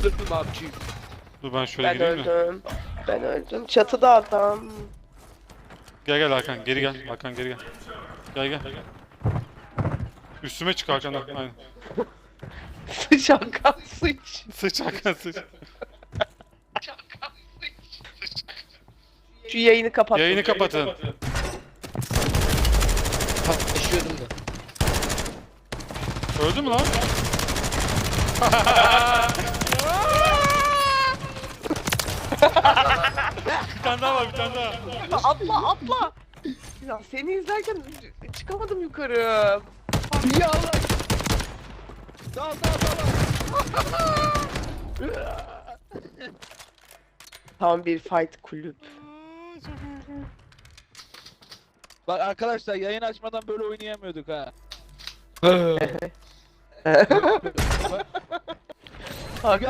öldürdüm abiciğim. Dur ben şöyle Ben gireyim mi? öldüm. Ben öldüm. Çatıda adam. Gel gel Hakan geri gel. Hakan geri gel. Gel gel. Üstüme çık Hakan'dan. Aynen. Sıç Hakan sıç. Sıç Hakan sıç. Şu yayını kapat. Yayını kapatın. Yaşıyordum da. Öldü mü lan? Bir tane daha var bir tane daha. Atla atla. Ya seni izlerken çıkamadım yukarı. Ya Allah. Dal dal dal. Tam bir fight kulüp. Bak arkadaşlar yayın açmadan böyle oynayamıyorduk ha. Hakan